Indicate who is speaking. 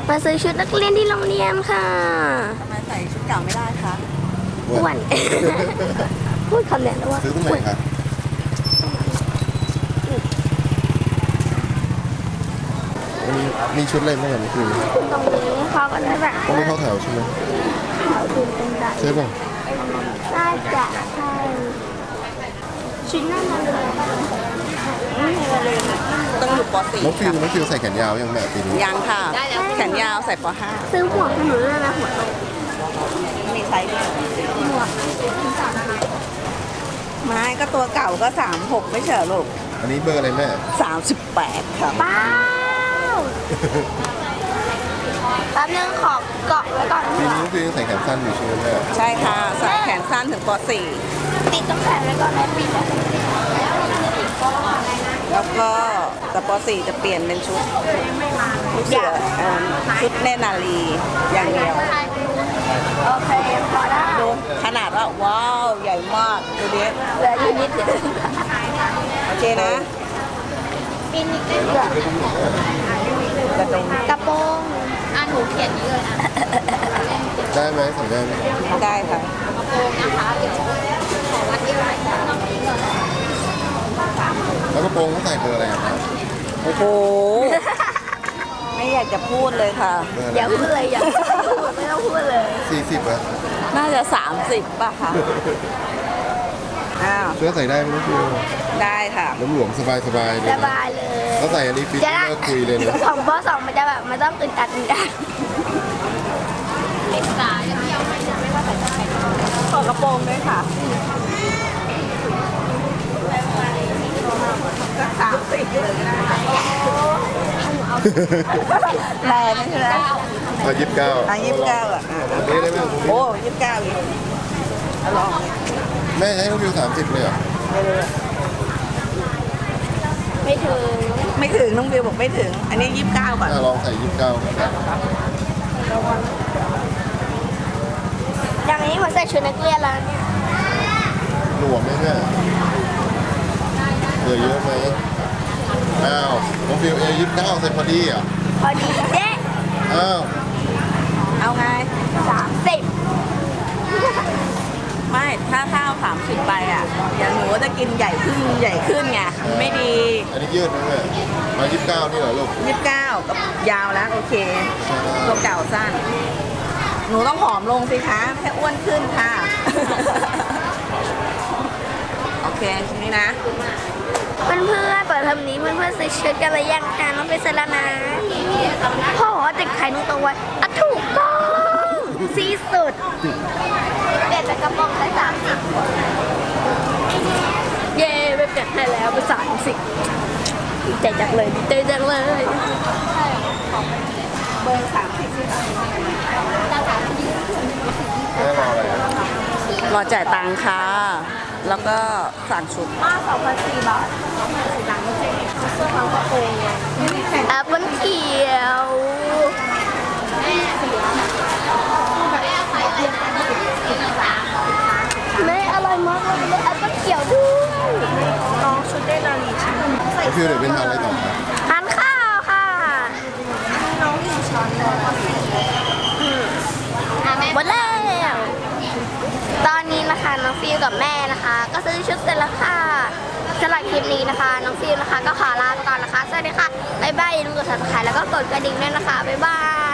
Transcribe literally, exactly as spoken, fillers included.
Speaker 1: มาซื้อชุดนักเรียนที่โรงเรียนค่ะ
Speaker 2: ทำไมใส่ชุดเก่าไม่ได้คะ
Speaker 1: อ้วนพูดคำเนี้ยแล้วว่า
Speaker 3: ซื้อตรงไหนคะมีมีชุดอะไรบ้างอ่ะนี่คือ
Speaker 1: ตรงนี้เขาก็ได้แบบ
Speaker 3: ต้องไม่เข้าแถวใช่ไหม
Speaker 1: เขาดูเป็นใจ
Speaker 3: ใช่ป่ะ
Speaker 1: น่าจะใช่ชิ้นหน้ามันเลย
Speaker 2: ต้องอยู่ป .สี่
Speaker 3: น้องฟิวน้องฟิวใส่แขนยาวยังแม่ปีนี้
Speaker 2: ยังค่ะแขนยาวใส่ป .ห้า
Speaker 1: ซื้อหมวกให้หนูด้วยนะหัวโต
Speaker 2: มีไซส์เดียว
Speaker 1: หมวก
Speaker 2: ไม้ก็ตัวเก่าก็สามหกไม่ใช่ลูก
Speaker 3: อันนี้เบอร์อะไรแม่
Speaker 2: สามสิบแปดค่ะ
Speaker 1: ป้าวแป๊บนึงขอเกาะไว้ก่อน
Speaker 3: ปีนี้น้องฟิวยังใส่แขนสั้นอยู่ใช่ไหมแม่
Speaker 2: ใช่ค่ะใส่แขนสั้นถึงป .สี่
Speaker 1: ติดต้องแขนไว้ก่อนนะปิด
Speaker 2: แล้วก็แต่ป .สี่ จะเปลี่ยนเป็นชุดชุดเสือชุดเนตรนารีอย่างเดียว
Speaker 1: โอเคพอได้
Speaker 2: ดูขนาดว่าว้าวใหญ่มากดูดิ
Speaker 1: เหลืออยู่นิดเดียว
Speaker 2: โอเคนะ
Speaker 1: ปีนิดเดียว
Speaker 2: กระโปรง
Speaker 1: กระโปรงอ่ะหนูเขียนนี้เลยอ่ะ
Speaker 3: ได้ไหมใส่ได้ไหม
Speaker 2: ได้ค่ะ
Speaker 1: กระโปรงนะคะเดี๋ยวขอวัดเอวหน่อยนะ
Speaker 3: แล้วกระโปรงเขาใส่เบอร์อะไรครับ
Speaker 2: โอ้โหไม่อยากจะพูดเลยค่ะ
Speaker 1: อย่าพูดเลยอย่าพูดไม่ต้องพูดเลย
Speaker 3: สี่สิบอะ
Speaker 2: น่าจะสามสิบป่ะคะอ้าว
Speaker 3: เสื้อใส่ได้ไหมน้องฟิว
Speaker 2: ได้ค่ะ
Speaker 3: น้ำหลวมสบายสบายเลย
Speaker 1: สบายเลย
Speaker 3: เขาใส่อันนี้ฟิตเลิกคุยเลยนะ
Speaker 1: สองบอสองมันจะแบบมันต้องอึดอัดอึดอัดเล็กสายเที่ยวไม่ไม่ว่าแต่จะใส่
Speaker 2: ขอกระโปรงด้วยค่ะก็สามสิบเลยนะแรงใช่ไหม
Speaker 3: อ่ะยี่สิบเก้า
Speaker 2: อ่ะยี่สิบเก้าอ่ะ
Speaker 3: นี่ได้ไหม
Speaker 2: โอ้ยี่สิบเก้าอีกลอง
Speaker 3: แม่ให้น้องฟิวสามสิบเลยเหรอ
Speaker 1: ไม่ถึง
Speaker 2: ไม่ถึงน้องบิวบอกไม่ถึงอันนี้ยี่สิบเก้าก่อน
Speaker 3: ลองใส่ยี่สิบเก้า
Speaker 1: อย่างนี้เหมือนใส่ชุดนักเรียนแล้วเนี่ย
Speaker 3: หลวมไหมแม่เหลือเยอะไหมอ้าวน้องฟิวเอยี่สิบเก้าใส่พอดีอ่ะ
Speaker 1: พอดีเด๊ะ
Speaker 3: อ้าว
Speaker 2: เอาไง
Speaker 1: สามสิบ
Speaker 2: ไม่ถ้าข้าวสามสิบไปอ่ะอย่างหนูจะกินใหญ่ขึ้นใหญ่ขึ้นไงไม่ดี
Speaker 3: อันนี้ยืดนะแม่มายี่สิบเก้านี่เหรอลูก
Speaker 2: ยี่สิบเก้าก็ยาวแล้วโอเคตัวเก่าสั้นหนูต้องผอมลงสิคะแค่อ้วนขึ้นค่ะโอเคทีนี้นะ
Speaker 1: เพื่อนเพื่อนเปิดเทอมนี้เพื่อนเพื่อนซื้อชุดกันเลยยังคะน้องไปซื้อแล้วนะพ่อบอกว่าติดไข่นุ่งตัวไว้อ่ะถูกต้องที่สุดเปลี่ยนจากกระโปรงได้สามสิบเย่ไปเปลี่ยนให้แล้วไปสามสิบดีใจจังเลยดีใจจังเลย
Speaker 2: เบอร์สามสิบ
Speaker 3: แม่รออะไร
Speaker 2: รอจ่ายตังค่ะแล้วก็สั่งชุด
Speaker 1: มาสองพันสี่บาทสองพันสี่ตังค์ไม่ใช่เสื้อผ้ากระโปรงแอปเปิ้ลเขียวแม่อร่อยมากเลยแอปเปิ้ลเขียวด้วยน้องชุดได้นาลีใช่ไหม
Speaker 3: น้องฟิวเดี๋ยวเป็นทานอะไรต่อครับ
Speaker 1: ทานข้าวค่ะน้องหนึ่งช้อนเลยหมดแล้วตอนนี้นะคะน้องฟิวกับแม่นะคะก็ซื้อชุดเสร็จแล้วค่ะสำหรับคลิปนี้นะคะน้องฟิวนะคะก็ขอลาไปก่อนนะคะสวัสดีค่ะบ๊ายบายอย่าลืมกด ซับสไครบ์ แล้วก็กดกระดิ่งด้วยนะคะบ๊ายบาย